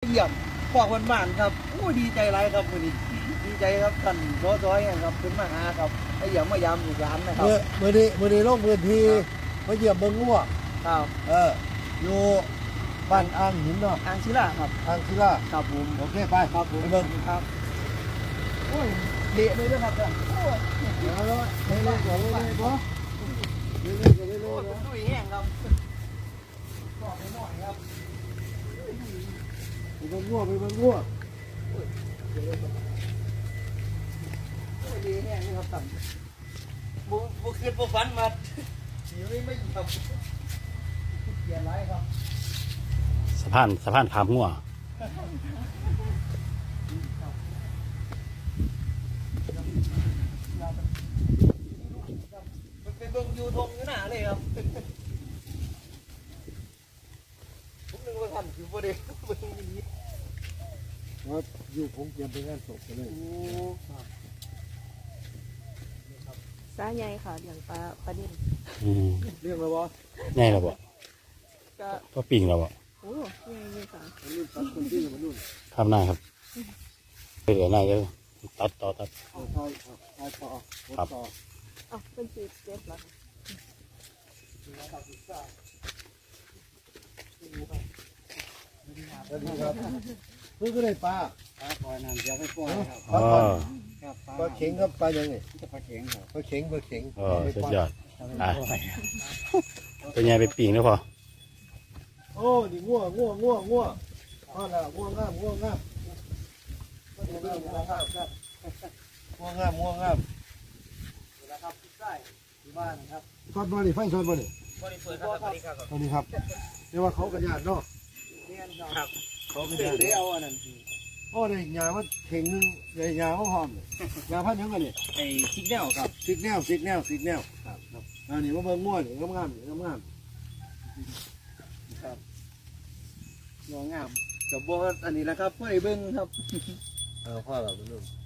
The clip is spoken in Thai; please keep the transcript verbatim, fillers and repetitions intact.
เยี่ยมพอกวันบ้านครับโอ้ดีใจไรครับวันนี้ดีใจครับท่านร้อยร้อยครับเป็นมาหาครับไอ้เยี่ยมมายามลูกหลานนะครับเมื่อเมื่อนี้เมื่อนี้ลงพื้นที่มาเยี่ยมเมืองงัวครับเอออยู่บ้านอ่างหินเนาะอ่างศิลาครับอ่างศิลาครับผมโอเคไปครับผมไปเบิ่งครับโอ้ยเละเลยนะครับท่านโอ้ยเดี๋ยวแล้วเรื่อยๆก่อนเรื่อยๆก่อนเรื่อยๆก่อนเรื่โอ้อยยๆผนะมดุยแห้งครับบอกหน่อยครับไปเบิ่งงัวไปเบิ่งงัวโอ้ยดีแห้งนี่ครับท่านบุบุคืนบุฟันมาสีไม่ไม่ครับเปลี่ยนไรครับสะพานสะพานขามหัวมันเป็นเบิ่งยูทงอยู่หน้าเลยครับผมนึกว่าท่านอยู่ประเดี๋ยวเบิ่งนี้ว่าอยู่ผมเตรียมไปงานศพกันเลยโอ้ครับสาใหญ่ค่ะอย่างปลาปลานิ่มอืมเรียกแล้ววะแน่แล้วบ่ก็พ่อปิ่งแล้วบ่โอ้ใหญ่เลยค่ะมันรุ่นตัดคนที่มันรุ่นข้ามหน้าครับไปเหลือหน้าเด้อตัดต่อตัดเอาทายทายต่อครับต่ออ๋อเป็นสีเจ็บเหรอคะสวัสดีครับเพิ่งก็ได้ปลาปลาปล่อยน้ำเดี๋ยวไปปล่อยครับปลาอ๋อก่อนครับปลาเข็งครับปลายังไงจะปลาเข็งครับปลาเข็งปลาเข็งอ๋อสุดยอดอ่าเป็นไงไปปิ่งแล้วพอโอ้นี่งัวงัวงัวงัวอ๋อแล้วงัวงามงัวงามงัวงามงัวงามงัวงามงัวงามนะครับได้ที่บ้านครับฟันบอลนี่ฟันชนบอลนี่บริเปิดครับสวัสดีครับตอนนี้ครับเรียกว่าเขากระยาดเนาะเรียนครับเขากระเดี๋ยยาว ดได้เอาอันนั้นโอ้ได้ยาว่าเข่งนึงได้ยาว่าหอมเลยยาพันยังไงนี่ไอ้ชิกแนวครับสิกแนวสิกแนวสิกแนวครับครับอันนี้มาเบิ่งงัวนี่งามงามงามงามครับงองามกับบ่อันนี้แหละครับเพื่อไอ้เบิ้งครับเอาพ่อเราเป็นลูก